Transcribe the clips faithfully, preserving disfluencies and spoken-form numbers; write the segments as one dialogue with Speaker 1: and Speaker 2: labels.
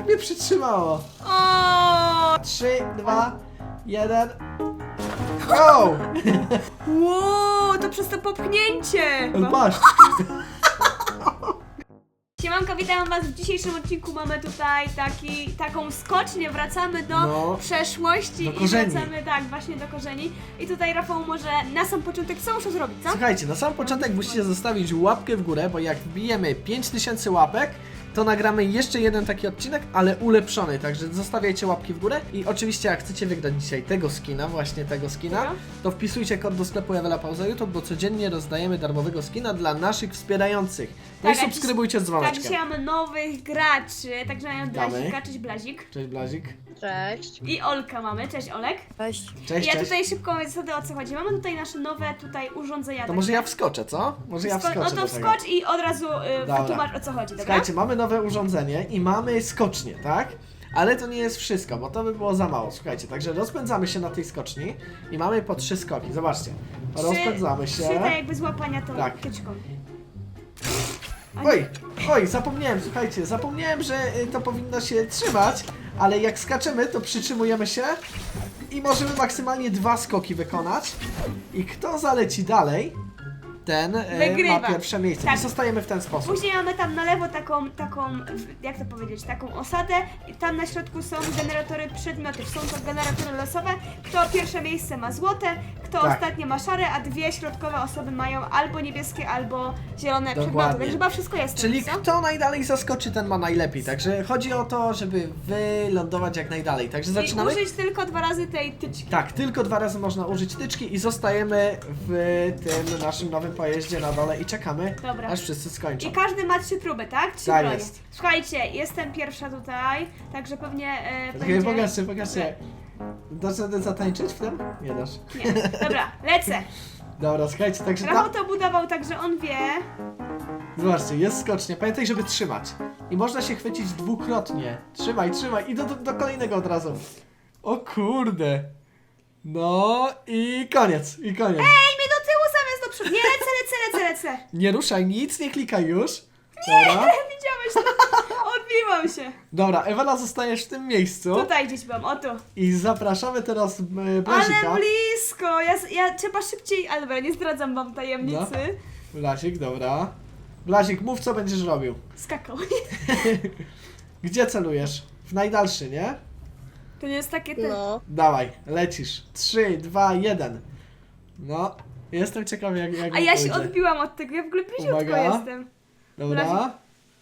Speaker 1: mnie przytrzymało.
Speaker 2: O!
Speaker 1: Trzy, dwa, jeden. Go!
Speaker 2: Wow, to przez to popchnięcie!
Speaker 1: Patrz.
Speaker 2: Siemanko, witam was. W dzisiejszym odcinku mamy tutaj taki, taką skocznię, wracamy do
Speaker 1: No,
Speaker 2: przeszłości
Speaker 1: do
Speaker 2: i
Speaker 1: korzeni.
Speaker 2: wracamy tak właśnie do korzeni. I tutaj Rafał może na sam początek co muszę zrobić, co?
Speaker 1: Słuchajcie, na sam początek musicie zostawić łapkę w górę, bo jak wbijemy pięć tysięcy łapek, to nagramy jeszcze jeden taki odcinek, ale ulepszony, także zostawiajcie łapki w górę i oczywiście jak chcecie wygrać dzisiaj tego skina, właśnie tego skina,
Speaker 2: Tego?
Speaker 1: to wpisujcie kod do sklepu Ewela Pauza YouTube, bo codziennie rozdajemy darmowego skina dla naszych wspierających. No
Speaker 2: Tak,
Speaker 1: i
Speaker 2: a
Speaker 1: subskrybujcie z
Speaker 2: Tak,
Speaker 1: dzwoneczkiem.
Speaker 2: dzisiaj mamy nowych graczy, także mamy
Speaker 1: Witamy.
Speaker 2: Blazika, cześć Blazik.
Speaker 1: Cześć Blazik.
Speaker 3: Cześć.
Speaker 2: I Olka mamy, cześć Olek.
Speaker 3: Cześć.
Speaker 1: Cześć,
Speaker 2: I ja
Speaker 1: cześć.
Speaker 2: tutaj szybko mówię zasady, o co chodzi. Mamy tutaj nasze nowe tutaj urządzenia.
Speaker 1: To może ja wskoczę, co? Może ja
Speaker 2: Sko-
Speaker 1: wskoczę
Speaker 2: No to
Speaker 1: do tego.
Speaker 2: wskocz i od razu y,
Speaker 1: Dobra.
Speaker 2: wytłumacz, o co chodzi, dobra?
Speaker 1: Słuchajcie, mamy nowe urządzenie i mamy skocznię, tak? Ale to nie jest wszystko, bo to by było za mało. Słuchajcie, także rozpędzamy się na tej skoczni i mamy po trzy skoki. Zobaczcie. Rozpędzamy się.
Speaker 2: Trzy tak jakby złapania tą
Speaker 1: Tak.
Speaker 2: tyczką.
Speaker 1: Oj, oj, zapomniałem, słuchajcie, zapomniałem, że y, to powinno się trzymać, ale jak skaczemy, to przytrzymujemy się i możemy maksymalnie dwa skoki wykonać. I kto zaleci dalej, ten y,
Speaker 2: Wygrywa.
Speaker 1: ma pierwsze miejsce.
Speaker 2: Tak.
Speaker 1: I zostajemy w ten sposób.
Speaker 2: Później mamy tam na lewo taką, taką, jak to powiedzieć, taką osadę i tam na środku są generatory przedmiotów, są to generatory losowe. Kto pierwsze miejsce ma złote, kto
Speaker 1: Tak.
Speaker 2: ostatnie ma szare, a dwie środkowe osoby mają albo niebieskie, albo zielone
Speaker 1: Dokładnie.
Speaker 2: przedmioty, także chyba wszystko jest.
Speaker 1: Czyli
Speaker 2: co?
Speaker 1: kto najdalej zaskoczy, ten ma najlepiej. Także chodzi o to, żeby wylądować jak najdalej. Także zaczynamy.
Speaker 2: I użyć tylko dwa razy tej tyczki.
Speaker 1: Tak, tylko dwa razy można użyć tyczki i zostajemy w tym naszym nowym pojeździe na dole i czekamy,
Speaker 2: Dobra.
Speaker 1: aż wszyscy skończą.
Speaker 2: I każdy ma trzy próby, tak? Trzy
Speaker 1: Tak
Speaker 2: bronie.
Speaker 1: jest.
Speaker 2: Słuchajcie, jestem pierwsza tutaj, także pewnie e,
Speaker 1: Czekaj,
Speaker 2: będzie...
Speaker 1: pokażcie, pokażcie. Dasz radę zatańczyć w tym? Nie dasz.
Speaker 2: Nie. Dobra, lecę.
Speaker 1: Dobra, słuchajcie, także
Speaker 2: Rafał
Speaker 1: tam...
Speaker 2: to budował, także on wie.
Speaker 1: Zobaczcie, jest skocznie. Pamiętaj, żeby trzymać. I można się chwycić dwukrotnie. Trzymaj, trzymaj i do, do, do kolejnego od razu. O kurde. No i koniec, i koniec.
Speaker 2: Ej, mnie do tyłu zamiast do przodu. Nie, lecę, lecę, lecę, lecę.
Speaker 1: Nie ruszaj nic, nie klikaj już. Dobra.
Speaker 2: Widziałeś to? Odbiłam się.
Speaker 1: Dobra, Ewela zostajesz w tym miejscu.
Speaker 2: Tutaj gdzieś byłam, o tu.
Speaker 1: I zapraszamy teraz e, Blasika.
Speaker 2: Ale blisko. Ja, ja trzeba szybciej, ale dobra, nie zdradzam wam tajemnicy.
Speaker 1: Blasik, dobra. Blasik, mów co będziesz robił.
Speaker 2: Skakał.
Speaker 1: Gdzie celujesz? W najdalszy, nie?
Speaker 2: To nie jest takie te...
Speaker 3: No.
Speaker 1: Dawaj, lecisz. trzy, dwa, jeden. No, jestem ciekawy jak, jak
Speaker 2: A
Speaker 1: mi
Speaker 2: ja się
Speaker 1: pójdzie.
Speaker 2: odbiłam od tego, ja w ogóle bliziutko
Speaker 1: Uwaga.
Speaker 2: jestem.
Speaker 1: Dobra.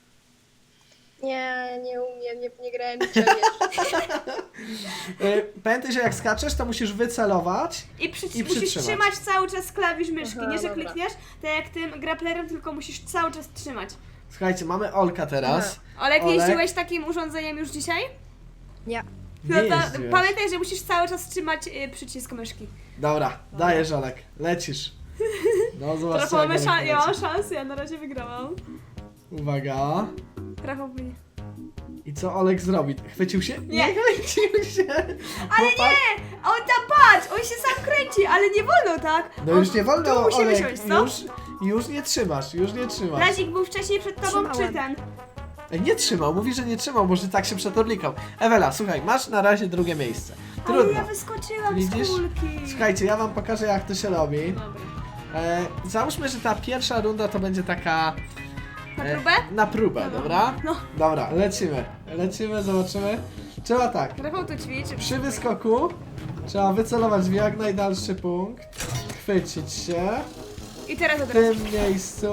Speaker 3: Nie, nie umiem, nie, nie grałem nigdy jeszcze.
Speaker 1: Y, Pamiętaj, że jak skaczesz, to musisz wycelować.
Speaker 2: I, przy,
Speaker 1: I
Speaker 2: musisz
Speaker 1: przytrzymać.
Speaker 2: trzymać cały czas klawisz myszki.
Speaker 3: Aha,
Speaker 2: nie, że
Speaker 3: dobra.
Speaker 2: klikniesz, tak jak tym graplerem, tylko musisz cały czas trzymać.
Speaker 1: Słuchajcie, mamy Olka teraz.
Speaker 2: Olek,
Speaker 1: Olek.
Speaker 2: jeździłeś takim urządzeniem już dzisiaj?
Speaker 3: Nie.
Speaker 2: No
Speaker 1: Nie
Speaker 2: to
Speaker 1: jeździłeś.
Speaker 2: pamiętaj, że musisz cały czas trzymać y, przycisk myszki.
Speaker 1: Dobra, dajesz Olek, lecisz. No zobaczcie
Speaker 2: Rafał,
Speaker 1: jak
Speaker 2: mamy
Speaker 1: Olek
Speaker 2: szan- ja mam
Speaker 1: leci.
Speaker 2: szansę, ja na razie wygrałam.
Speaker 1: Uwaga.
Speaker 2: Rafał mnie.
Speaker 1: I co Olek zrobi? Chwycił się?
Speaker 2: Nie.
Speaker 1: chwycił się.
Speaker 2: Ale
Speaker 1: Chłopak-
Speaker 2: nie! On tam patrz! On się sam kręci, ale nie wolno, tak?
Speaker 1: No
Speaker 2: on,
Speaker 1: już nie wolno,
Speaker 2: Tu musimy
Speaker 1: Olek,
Speaker 2: siąść, co?
Speaker 1: już, już nie trzymasz, już nie trzymasz.
Speaker 2: Razik był wcześniej przed tobą, czy
Speaker 3: Trzymałem.
Speaker 2: ten?
Speaker 1: Ej, nie trzymał, mówi, że nie trzymał, może tak się przetorlikał. Ewela, słuchaj, masz na razie drugie miejsce.
Speaker 2: Ale
Speaker 1: Trudno.
Speaker 2: ja wyskoczyłam
Speaker 1: Widzisz?
Speaker 2: z kulki.
Speaker 1: Słuchajcie, ja wam pokażę jak to się robi.
Speaker 2: Dobra.
Speaker 1: E, załóżmy, że ta pierwsza runda to będzie taka...
Speaker 2: Na
Speaker 1: e,
Speaker 2: próbę?
Speaker 1: Na próbę, dobra?
Speaker 2: No.
Speaker 1: Dobra, lecimy. Lecimy, zobaczymy. Trzeba tak,
Speaker 2: Rafał tu ćwiczy.
Speaker 1: przy wyskoku trzeba wycelować w jak najdalszy punkt, chwycić się
Speaker 2: I teraz od
Speaker 1: w
Speaker 2: razu.
Speaker 1: tym miejscu,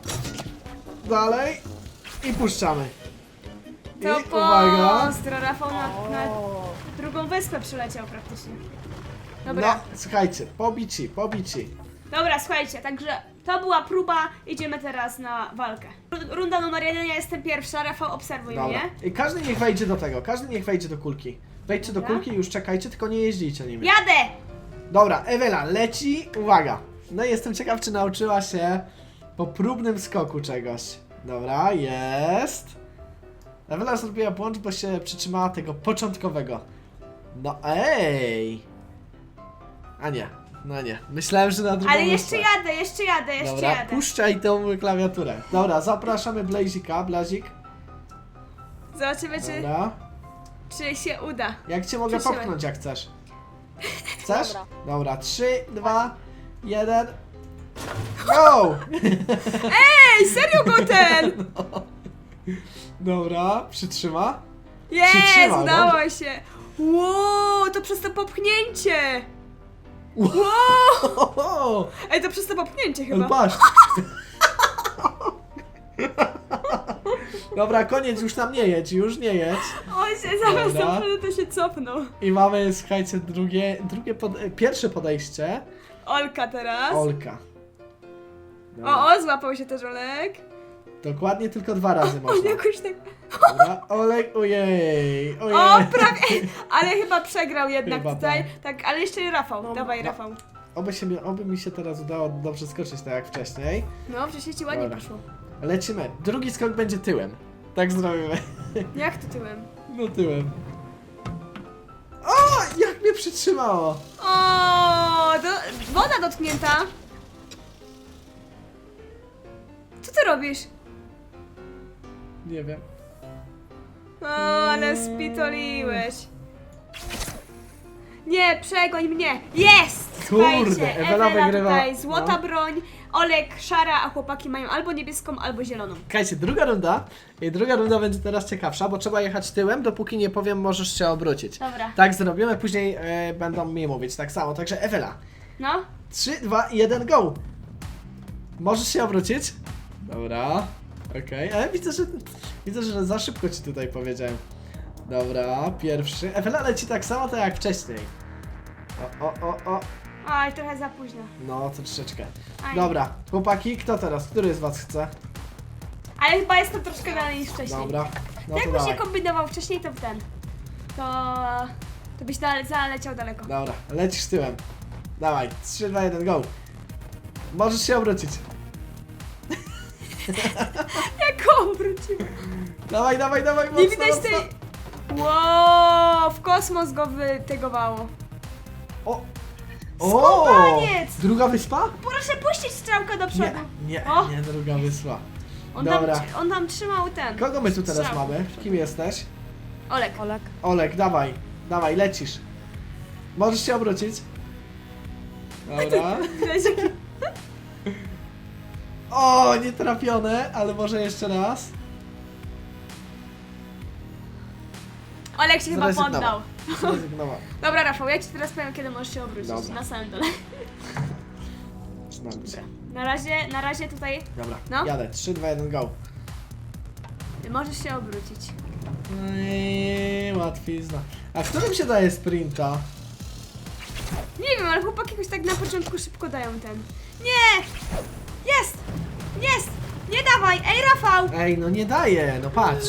Speaker 1: dalej i puszczamy. I
Speaker 2: To
Speaker 1: uwaga.
Speaker 2: pozdro, Rafał na, na
Speaker 3: O.
Speaker 2: drugą wyspę przyleciał praktycznie. Dobra.
Speaker 1: No, słuchajcie, pobici, pobici.
Speaker 2: Dobra, słuchajcie, także to była próba, idziemy teraz na walkę. Ru- Runda numer jeden, ja jestem pierwsza, Rafał obserwuj
Speaker 1: Dobra.
Speaker 2: mnie.
Speaker 1: I każdy niech wejdzie do tego, każdy niech wejdzie do kulki. Wejdźcie do
Speaker 2: Dobra.
Speaker 1: kulki i już czekajcie, tylko nie jeździcie nimi.
Speaker 2: Jadę!
Speaker 1: Dobra, Ewela, leci, uwaga. No i jestem ciekaw, czy nauczyła się po próbnym skoku czegoś. Dobra, jest. Ewela zrobiła błąd, bo się przytrzymała tego początkowego. No ej! A nie, no nie. Myślałem, że na drugą
Speaker 2: Ale jeszcze
Speaker 1: wyspę.
Speaker 2: jadę, jeszcze jadę, jeszcze
Speaker 1: Dobra,
Speaker 2: jadę.
Speaker 1: puszczaj tą klawiaturę. Dobra, zapraszamy Blazika, Blazik.
Speaker 2: Zobaczymy, czy...
Speaker 1: Dobra.
Speaker 2: czy się uda.
Speaker 1: Jak cię mogę
Speaker 2: Przytrzymaj.
Speaker 1: popchnąć, jak chcesz? Chcesz?
Speaker 3: Dobra.
Speaker 1: Dobra, trzy, dwa, jeden. Go!
Speaker 2: Ej, serio go ten!
Speaker 1: Dobra, przytrzyma.
Speaker 2: Jest,
Speaker 1: Przytrzymał,
Speaker 2: udało
Speaker 1: dobrze.
Speaker 2: się. Wow, to przez to popchnięcie.
Speaker 1: Wow.
Speaker 2: Wow. Ej, to przez to popchnięcie
Speaker 1: Ale
Speaker 2: chyba.
Speaker 1: patrz. Dobra, koniec, już tam nie jedź, już nie jedź.
Speaker 2: O się, zaraz
Speaker 1: Dobra.
Speaker 2: naprawdę to się cofnął.
Speaker 1: I mamy, słuchajcie, drugie, drugie pod, e, pierwsze podejście.
Speaker 2: Olka teraz.
Speaker 1: Olka. Dobra.
Speaker 2: O, o, złapał się też Olek.
Speaker 1: Dokładnie tylko dwa razy
Speaker 2: On
Speaker 1: można.
Speaker 2: jakoś tak...
Speaker 1: Dobra, Olek, ojej, ojej.
Speaker 2: O, prawie, ale chyba przegrał jednak
Speaker 1: Chyba
Speaker 2: tutaj. Tak, ale jeszcze Rafał,
Speaker 1: No,
Speaker 2: dawaj
Speaker 1: no.
Speaker 2: Rafał.
Speaker 1: Oby, się, mi- oby mi się teraz udało dobrze skoczyć, tak jak wcześniej.
Speaker 2: No, przecież ci ładnie
Speaker 1: Dobra.
Speaker 2: poszło.
Speaker 1: Lecimy. Drugi skok będzie tyłem. Tak zrobimy.
Speaker 2: Jak to tyłem?
Speaker 1: No tyłem. O, jak mnie przytrzymało.
Speaker 2: O, do, woda dotknięta. Co ty robisz?
Speaker 1: Nie wiem.
Speaker 2: O, ale spitoliłeś. Nie, przegoń mnie! Jest!
Speaker 1: Kurde,
Speaker 2: Słuchajcie,
Speaker 1: Ewela wygrywa.
Speaker 2: tutaj złota
Speaker 1: No.
Speaker 2: broń, Olek szara, a chłopaki mają albo niebieską, albo zieloną.
Speaker 1: Słuchajcie, druga runda. I druga runda będzie teraz ciekawsza, bo trzeba jechać tyłem, dopóki nie powiem, możesz się obrócić.
Speaker 2: Dobra.
Speaker 1: Tak zrobimy, później e, będą mi mówić tak samo. Także Ewela.
Speaker 2: No,
Speaker 1: trzy, dwa, jeden, go! Możesz się obrócić? Dobra. Okej, ale widzę, że widzę, że za szybko ci tutaj powiedziałem. Dobra, pierwszy. Ewela leci tak samo to jak wcześniej. O, o, o, o.
Speaker 2: oj, trochę za późno.
Speaker 1: No, troszeczkę.
Speaker 2: Aj.
Speaker 1: Dobra, chłopaki, kto teraz? Który z was chce?
Speaker 2: Ale chyba jestem troszkę dalej niż wcześniej.
Speaker 1: Dobra, no to
Speaker 2: Jakbyś się
Speaker 1: dawaj.
Speaker 2: kombinował wcześniej, to w ten. To... To byś dale, zaleciał daleko.
Speaker 1: Dobra, lecisz tyłem. Dawaj, trzy, dwa, jeden, go! Możesz się obrócić.
Speaker 2: Jak go obrócił?
Speaker 1: Dawaj, dawaj, dawaj, mocno,
Speaker 2: Nie widać
Speaker 1: mocno.
Speaker 2: tej... Wow, w kosmos go wytegowało.
Speaker 1: O!
Speaker 2: Skubaniec!
Speaker 1: Druga wyspa?
Speaker 2: Proszę puścić strzałkę do
Speaker 1: Nie,
Speaker 2: przodu.
Speaker 1: nie,
Speaker 2: O!
Speaker 1: nie druga wyspa.
Speaker 2: On
Speaker 1: Dobra.
Speaker 2: tam, on tam trzymał ten.
Speaker 1: Kogo my tu teraz
Speaker 2: Strzał.
Speaker 1: mamy? Kim jesteś?
Speaker 2: Olek.
Speaker 3: Olek.
Speaker 1: Olek, dawaj, dawaj, lecisz. Możesz się obrócić. Dobra. O, nie trafione, ale może jeszcze raz.
Speaker 2: Olek się chyba
Speaker 1: Zrezygnował.
Speaker 2: poddał.
Speaker 1: Zrezygnował.
Speaker 2: Dobra, Rafał, ja ci teraz powiem, kiedy możesz się obrócić.
Speaker 1: Dobra.
Speaker 2: Na samym dole.
Speaker 1: Znam cię.
Speaker 2: Na razie, na razie tutaj
Speaker 1: Dobra,
Speaker 2: No.
Speaker 1: jadę. trzy, dwa, jeden, go.
Speaker 2: możesz się obrócić.
Speaker 1: Eee, łatwizna. A którym się daje sprinta?
Speaker 2: Nie wiem, ale chłopaki jakoś tak na początku szybko dają ten. Nie! Jest! Jest! Nie dawaj! Ej, Rafał!
Speaker 1: Ej, no nie daje, no patrz.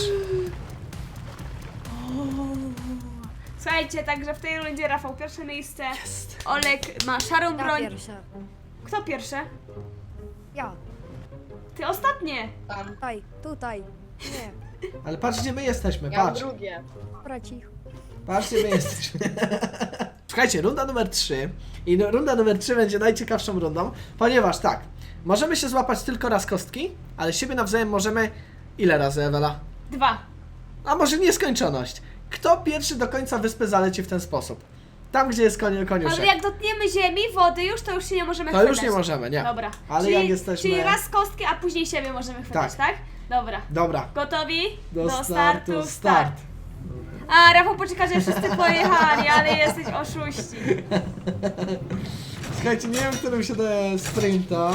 Speaker 2: Słuchajcie, także w tej rundzie Rafał pierwsze miejsce.
Speaker 1: Jest.
Speaker 2: Olek ma szarą
Speaker 3: Ja
Speaker 2: broń.
Speaker 3: pierwsza.
Speaker 2: Kto pierwsze?
Speaker 3: Ja.
Speaker 2: Ty ostatnie!
Speaker 3: Tam. Tutaj, tutaj. Nie.
Speaker 1: Ale patrz, gdzie my jesteśmy,
Speaker 3: Ja
Speaker 1: patrz.
Speaker 3: drugie. Dobra, cicho.
Speaker 1: Patrz, gdzie my jesteśmy. Słuchajcie, runda numer trzy. I no, runda numer trzy będzie najciekawszą rundą, ponieważ tak, możemy się złapać tylko raz kostki, ale siebie nawzajem możemy... Ile razy, Ewela?
Speaker 2: Dwa.
Speaker 1: A może nieskończoność. Kto pierwszy do końca wyspy zaleci w ten sposób? Tam, gdzie jest konie, koniuszek.
Speaker 2: Ale jak dotkniemy ziemi, wody już, to już się nie możemy
Speaker 1: To
Speaker 2: chwytać.
Speaker 1: już nie możemy, nie.
Speaker 2: Dobra.
Speaker 1: Ale
Speaker 2: czyli,
Speaker 1: jak jesteśmy...
Speaker 2: Czyli raz kostki, a później siebie możemy chwytać, tak? Dobra.
Speaker 1: Dobra.
Speaker 2: Gotowi?
Speaker 1: Do, startu, start.
Speaker 2: A, Rafał poczeka, że wszyscy pojechali, ale jesteś oszuści.
Speaker 1: Słuchajcie, nie wiem, którym się daje sprinta.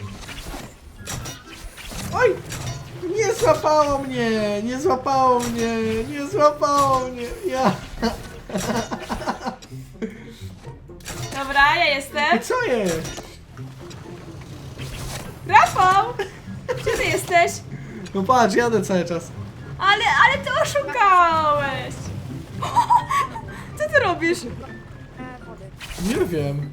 Speaker 1: Oj! Nie złapało mnie! Nie złapało mnie! Nie złapało mnie! Ja!
Speaker 2: Dobra, ja jestem.
Speaker 1: Co jest?
Speaker 2: Rafał! Gdzie ty jesteś?
Speaker 1: No patrz, jadę cały czas.
Speaker 2: Ale, ale ty oszukałeś! Co ty robisz?
Speaker 3: E, wody.
Speaker 1: Nie wiem.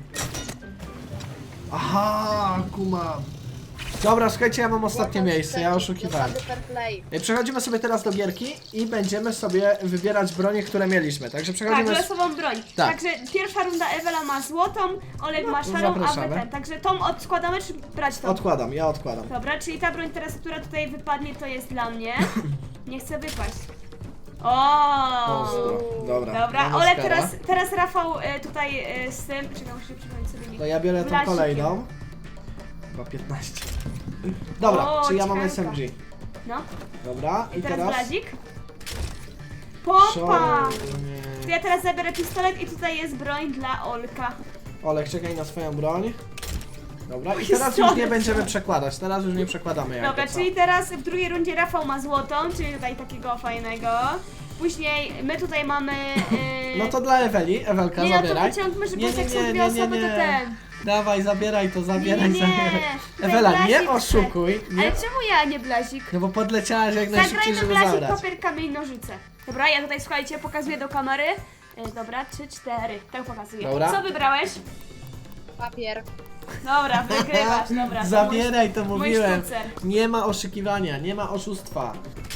Speaker 1: Aha, kumam. Dobra, słuchajcie, ja mam ostatnie miejsce, ja oszukiwałem.
Speaker 3: Fair play.
Speaker 1: I Przechodzimy sobie teraz do gierki i będziemy sobie wybierać bronie, które mieliśmy. Także
Speaker 2: Tak,
Speaker 1: przechodzimy...
Speaker 2: losową broń.
Speaker 1: Tak.
Speaker 2: Także pierwsza runda Ewela ma złotą, Olek ma
Speaker 1: to
Speaker 2: szarą, a wy
Speaker 1: zapraszamy.
Speaker 2: ten. Także tą odskładamy, czy brać tą?
Speaker 1: Odkładam, ja odkładam.
Speaker 2: Dobra, czyli ta broń teraz, która tutaj wypadnie, to jest dla mnie. Nie chcę wypaść. O!
Speaker 1: Ostro. Dobra.
Speaker 2: Dobra,
Speaker 1: mamy
Speaker 2: Olek,
Speaker 1: skara.
Speaker 2: teraz, teraz Rafał y, tutaj y, z tym. Czekaj, muszę przypomnieć sobie nick.
Speaker 1: To ja biorę tą
Speaker 2: Blasikiem.
Speaker 1: kolejną. Chyba piętnaście. Dobra,
Speaker 2: O,
Speaker 1: czy ja mam
Speaker 2: ciekawka.
Speaker 1: S M G?
Speaker 2: No,
Speaker 1: Dobra,
Speaker 2: i
Speaker 1: i
Speaker 2: teraz
Speaker 1: teraz...
Speaker 2: blazik. Pompa!
Speaker 1: Szor-
Speaker 2: To
Speaker 1: nie.
Speaker 2: ja teraz zabiorę pistolet i tutaj jest broń dla Olka.
Speaker 1: Olek, czekaj na swoją broń. Dobra, i
Speaker 2: Pistolet.
Speaker 1: teraz już nie będziemy przekładać, teraz już nie przekładamy jak
Speaker 2: Dobra,
Speaker 1: to
Speaker 2: czyli teraz w drugiej rundzie Rafał ma złotą, czyli tutaj takiego fajnego. Później my tutaj mamy... Yy...
Speaker 1: No to dla Eweli, Ewelka,
Speaker 2: Nie, no to
Speaker 1: zabieraj.
Speaker 2: wyciągmy, że
Speaker 1: Nie,
Speaker 2: bo
Speaker 1: nie,
Speaker 2: jak są
Speaker 1: nie,
Speaker 2: dwie
Speaker 1: nie, nie,
Speaker 2: osoby, to
Speaker 1: nie.
Speaker 2: ten.
Speaker 1: Dawaj, zabieraj to, zabieraj,
Speaker 2: Nie, nie,
Speaker 1: zabieraj.
Speaker 2: tutaj
Speaker 1: Ewela, nie
Speaker 2: blazik
Speaker 1: oszukuj.
Speaker 2: chcę.
Speaker 1: Nie?
Speaker 2: Ale czemu ja, nie blazik?
Speaker 1: No bo podleciałaś jak najszybciej,
Speaker 2: Zagrajmy
Speaker 1: żeby
Speaker 2: blazik,
Speaker 1: zabrać.
Speaker 2: papier, kamień, nożyce. Dobra, ja tutaj, słuchajcie, pokazuję do kamery. E, dobra, trzy, cztery. Tak pokazuję.
Speaker 1: Dobra.
Speaker 2: Co wybrałeś?
Speaker 3: Papier.
Speaker 2: Dobra, wygrywasz, dobra. to
Speaker 1: Zabieraj, to
Speaker 2: mój,
Speaker 1: mówiłem.
Speaker 2: Mój sztucer.
Speaker 1: Nie ma oszukiwania, nie ma oszustwa.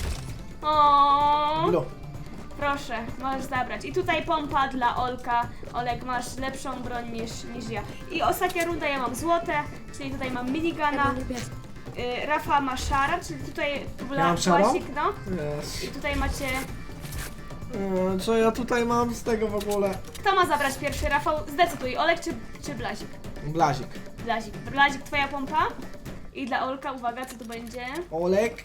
Speaker 2: O,
Speaker 1: No.
Speaker 2: proszę, możesz zabrać. I tutaj pompa dla Olka. Olek, masz lepszą broń niż, niż ja. I ostatnia runda, ja mam złote, czyli tutaj mam minigana.
Speaker 3: niebieski.
Speaker 2: Y, Rafa ma szara, czyli tutaj
Speaker 1: Ja mam szarą?
Speaker 2: płasik, no.
Speaker 1: Yes.
Speaker 2: I tutaj macie...
Speaker 1: E, Co ja tutaj mam z tego w ogóle?
Speaker 2: Kto ma zabrać pierwszy? Rafał, zdecyduj, Olek czy, czy Blazik?
Speaker 1: Blazik.
Speaker 2: Blazik. Blazik, twoja pompa. I dla Olka, uwaga, co to będzie?
Speaker 1: Olek.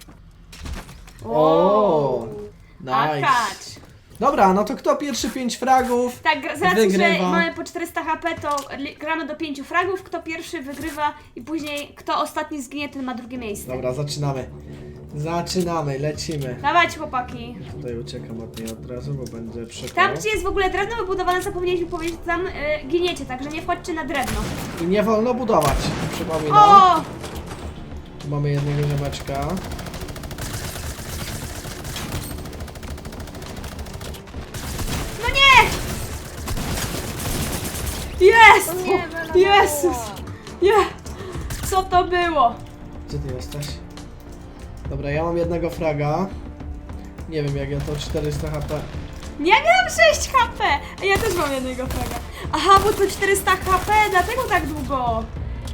Speaker 1: O, nice.
Speaker 2: Akacz.
Speaker 1: Dobra, no to kto pierwszy pięć fragów?
Speaker 2: Tak, gra- z racji, że
Speaker 1: Wygrywa.
Speaker 2: mamy po czterysta H P, to li- gramy do pięciu fragów. Kto pierwszy wygrywa i później kto ostatni zginie, ten ma drugie miejsce.
Speaker 1: Dobra, zaczynamy. Zaczynamy, lecimy.
Speaker 2: Dawajcie, chłopaki.
Speaker 1: Tutaj uciekam od niej od razu, bo będzie przypał.
Speaker 2: Tam, gdzie jest w ogóle drewno wybudowane, zapomnieliśmy powiedzieć, tam y, giniecie, także nie wchodźcie na drewno.
Speaker 1: I nie wolno budować, przypominam.
Speaker 2: O!
Speaker 1: Tu mamy jednego ziomeczka.
Speaker 2: No nie! Jest!
Speaker 3: O nie, Wela
Speaker 2: Jezus!
Speaker 3: zawołała.
Speaker 2: Nie! Co to było?
Speaker 1: Gdzie ty jesteś? Dobra, ja mam jednego fraga. Nie wiem jak ja to czterysta H P.
Speaker 2: Nie miałam sześć H P! A ja też mam jednego fraga. Aha, bo to czterysta H P, dlatego tak długo.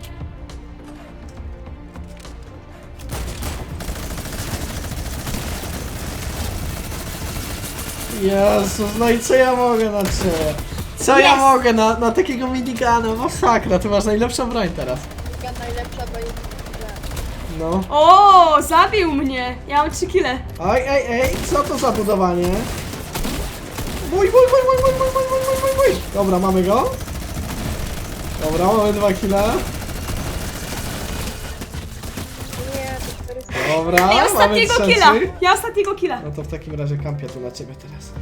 Speaker 1: Jezus, no i co ja mogę na ciebie? Co ja
Speaker 2: Jest!
Speaker 1: mogę na, na takiego minigana? Masakra, ty masz najlepszą broń teraz.
Speaker 3: Druga najlepsza będzie.
Speaker 1: No.
Speaker 2: O, zabił mnie! Ja mam trzy kile.
Speaker 1: Ej, ej, ej, co to za budowanie? Mój, mój, mój, mój, mój, mój, mój, mój, mój, mój, mój. Dobra, mamy go. Dobra, mamy dwa kile.
Speaker 3: Nie, to czterysta.
Speaker 1: Dobra,
Speaker 2: Ej,
Speaker 1: mamy
Speaker 2: ostatniego
Speaker 1: trzeci.
Speaker 2: killa! Ja ostatniego killa.
Speaker 1: No to w takim razie kampię tu na ciebie teraz.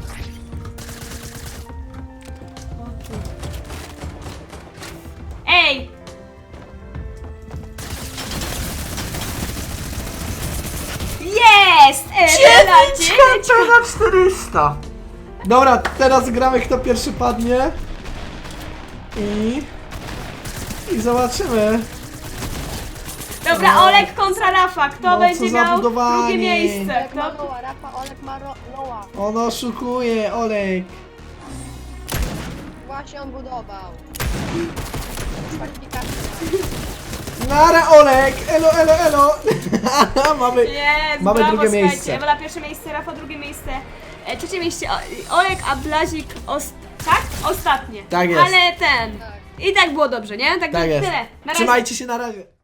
Speaker 2: Ej! Jest! Ewela, dziewięć!
Speaker 1: na czterysta. Dobra, teraz gramy kto pierwszy padnie. I... I zobaczymy.
Speaker 2: Dobra,
Speaker 1: No.
Speaker 2: Olek kontra Rafa. Kto
Speaker 1: No, co
Speaker 2: będzie
Speaker 1: za
Speaker 2: miał
Speaker 1: budowanie.
Speaker 2: drugie miejsce?
Speaker 3: Olek ma
Speaker 2: Kto...
Speaker 3: Loa, Rafa, Olek ma ro- Loa.
Speaker 1: On oszukuje, Olek.
Speaker 3: Właśnie on budował. Kwalifikacja.
Speaker 1: Nara, Olek! Elo, elo, elo! Mamy...
Speaker 2: Jest,
Speaker 1: Mamy
Speaker 2: brawo,
Speaker 1: drugie
Speaker 2: słuchajcie.
Speaker 1: miejsce.
Speaker 2: Ewela pierwsze miejsce, Rafa drugie miejsce. E, trzecie miejsce o, Olek, a Blazik os... tak? Ostatnie.
Speaker 1: Tak jest.
Speaker 2: Ale ten...
Speaker 3: Tak.
Speaker 2: I tak było dobrze, nie? Tak,
Speaker 1: Tak jest.
Speaker 2: tyle. Na razie.
Speaker 1: Trzymajcie się na razie.